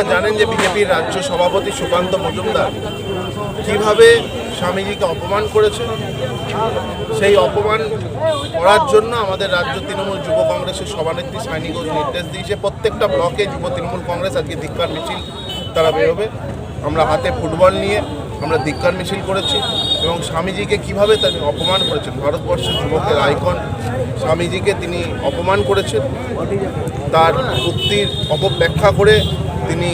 জানেন যে বিজেপির রাজ্য সভাপতি সুকান্ত মজুমদার কিভাবে স্বামীজিকে অপমান করেছে। সেই অপমান করার জন্য আমাদের রাজ্য তৃণমূল যুব কংগ্রেসের সভানেত্রী সায়নী ঘোষ নির্দেশ দিয়েছে প্রত্যেকটা ব্লকে যুব তৃণমূল কংগ্রেস আজকে ধিক্কার মিছিল তারা বেরোবে। আমরা হাতে ফুটবল নিয়ে আমরা ধিক্কার মিছিল করেছি এবং স্বামীজিকে কীভাবে তিনি অপমান করেছেন, ভারতবর্ষের যুবকের আইকন স্বামীজিকে তিনি অপমান করেছেন, তার উক্তির অপব্যাখ্যা করে তিনি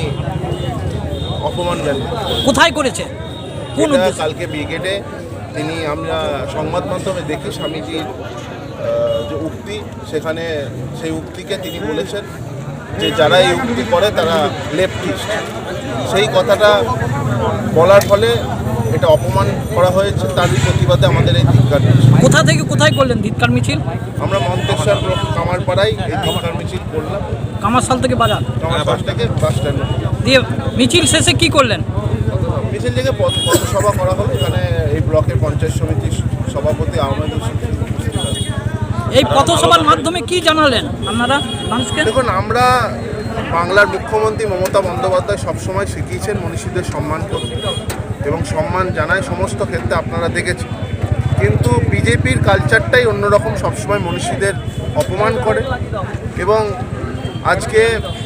অপমান জানিয়েছেন। কোথায় করেছে? কালকে ব্রিগেডে তিনি, আমরা সংবাদ মাধ্যমে দেখি স্বামীজির যে উক্তি, সেখানে সেই উক্তিকে তিনি বলেছেন যে যারা এই উক্তি করে তারা লেফটিস্ট। সেই কথাটা বলার ফলে এটা অপমান করা হয়েছে, তারই প্রতিবাদে আমাদের এই ধিক্কার মিছিল। কোথা থেকে কোথায় করলেন ধিক্কার মিছিল? আমরা মন্তেশ্বর কামারপাড়ায় এই ধিক্কার মিছিল করলাম। কামারশাল থেকে বাজার, কামারশাল থেকে বাস স্ট্যান্ড দিয়ে মিছিল শেষে কি করলেন? মিছিল থেকে পথসভা করা হলো। এখানে এই ব্লকের পঞ্চায়েত সমিতির সভাপতি আহমেদ হোসেন। এই পথসভার মাধ্যমে কি জানালেন আপনারা মানুষকে? দেখুন, আমরা বাংলার মুখ্যমন্ত্রী মমতা বন্দ্যোপাধ্যায় সবসময় শিখিয়েছেন মনীষীদের সম্মান করতে এবং সম্মান জানায় সমস্ত ক্ষেত্রে, আপনারা দেখেছেন। কিন্তু বিজেপির কালচারটাই অন্যরকম, সবসময় মনীষীদের অপমান করে। এবং আজকে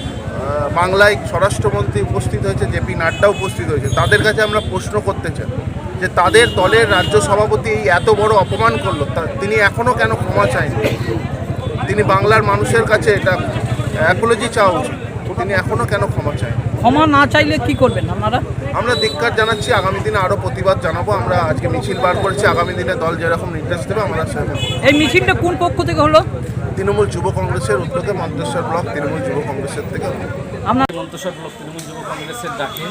বাংলায় স্বরাষ্ট্রমন্ত্রী উপস্থিত হয়েছে, জেপি নাড্ডা উপস্থিত হয়েছে। তাদের কাছে আমরা প্রশ্ন করতে চাই যে তাদের দলের রাজ্য সভাপতি এই এত বড় অপমান করলো, তিনি এখনও কেন ক্ষমা চাইনি? তিনি বাংলার মানুষের কাছে এটা অ্যাপোলজি চাওয়া উচিত, তিনি এখনও কেন ক্ষমা চায়? ক্ষমা না চাইলে কি করবেন আপনারা? আমরা ধিক্কার জানাচ্ছি, আগামী দিনে আরও প্রতিবাদ জানাবো। আমরা আজকে মিছিল বার করেছি, আগামী দিনে দল যেরকম নির্দেশ দেবে আমরা সেরকম। এই মিছিলটা কোন পক্ষ থেকে হলো? তৃণমূল যুব কংগ্রেসের উদ্যোগে মন্তেশ্বর ব্লক তৃণমূল যুব কংগ্রেসের থেকে। আপনার মন্তেশ্বর ব্লক তৃণমূল যুব কংগ্রেসের ডাকে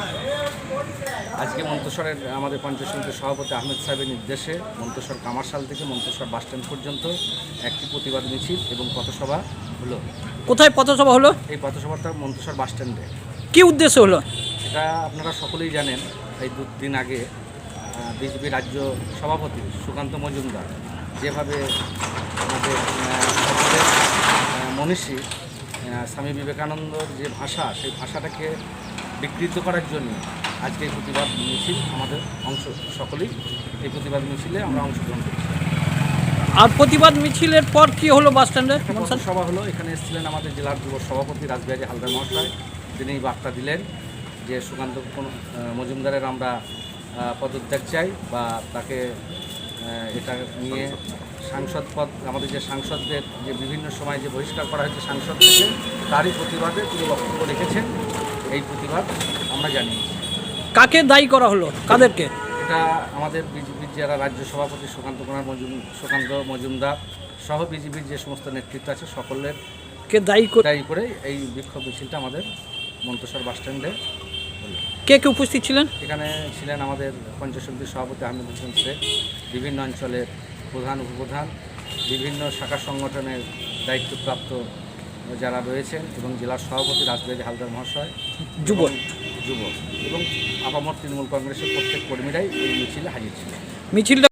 আজকে মন্তেশ্বরের আমাদের পঞ্চায়েত সমিতির সভাপতি আহমেদ সাহেবের নির্দেশে মন্তেশ্বর কামারশাল থেকে মন্তেশ্বর বাসস্ট্যান্ড পর্যন্ত একটি প্রতিবাদ মিছিল এবং পথসভা হলো। কোথায় পথসভা হলো? এই পথসভাটা মন্তেশ্বর বাসস্ট্যান্ডে। কি উদ্দেশ্য হলো? এটা আপনারা সকলেই জানেন, এই দুদিন আগে বিজেপি রাজ্য সভাপতি সুকান্ত মজুমদার যেভাবে আমাদের সকলের মনীষী স্বামী বিবেকানন্দর যে ভাষা, সেই ভাষাটাকে বিকৃত করার জন্য আজকে এই প্রতিবাদ মিছিল আমাদের সকলেই এই প্রতিবাদ মিছিলে আমরা অংশগ্রহণ করছি। আর প্রতিবাদ মিছিলের পর কি হলো বাসস্ট্যান্ডে? সভা হলো, এখানে এসেছিলেন আমাদের জেলার যুব সভাপতি রাসবিহারী হালদার মহাশয়। তিনি বার্তা দিলেন যে সুকান্ত মজুমদারের আমরা পদত্যাগ চাই বা তাকে এটা নিয়ে সাংসদ পদ, আমাদের যে সাংসদদের যে বিভিন্ন সময় যে বহিষ্কার করা হয়েছে সাংসদ থেকে, তারই প্রতিবাদে তিনি বক্তব্য রেখেছেন। এই প্রতিবাদ আমরা জানিয়েছি। কাকে দায়ী করা হলো? কাদেরকে? এটা আমাদের বিজেপির যারা রাজ্য সভাপতি সুকান্ত মজুমদার সহ বিজেপির যে সমস্ত নেতৃত্ব আছে সকলের কে দায়ী করে এই বিক্ষোভ মিছিলটা আমাদের মন্তেশ্বর বাসস্ট্যান্ডে হলো। কে কে উপস্থিত ছিলেন? এখানে ছিলেন আমাদের পঞ্চায়েত সমিতির সভাপতি আহমেদ হোসেন শেখ, বিভিন্ন অঞ্চলের প্রধান উপপ্রধান, বিভিন্ন শাখা সংগঠনের দায়িত্বপ্রাপ্ত যারা রয়েছেন এবং জেলার সভাপতি রাসবিহারী হালদার মহাশয়, যুব এবং আপামর তৃণমূল কংগ্রেসের প্রত্যেক কর্মীরাই এই মিছিলে হাজির ছিলেন। মিছিলটা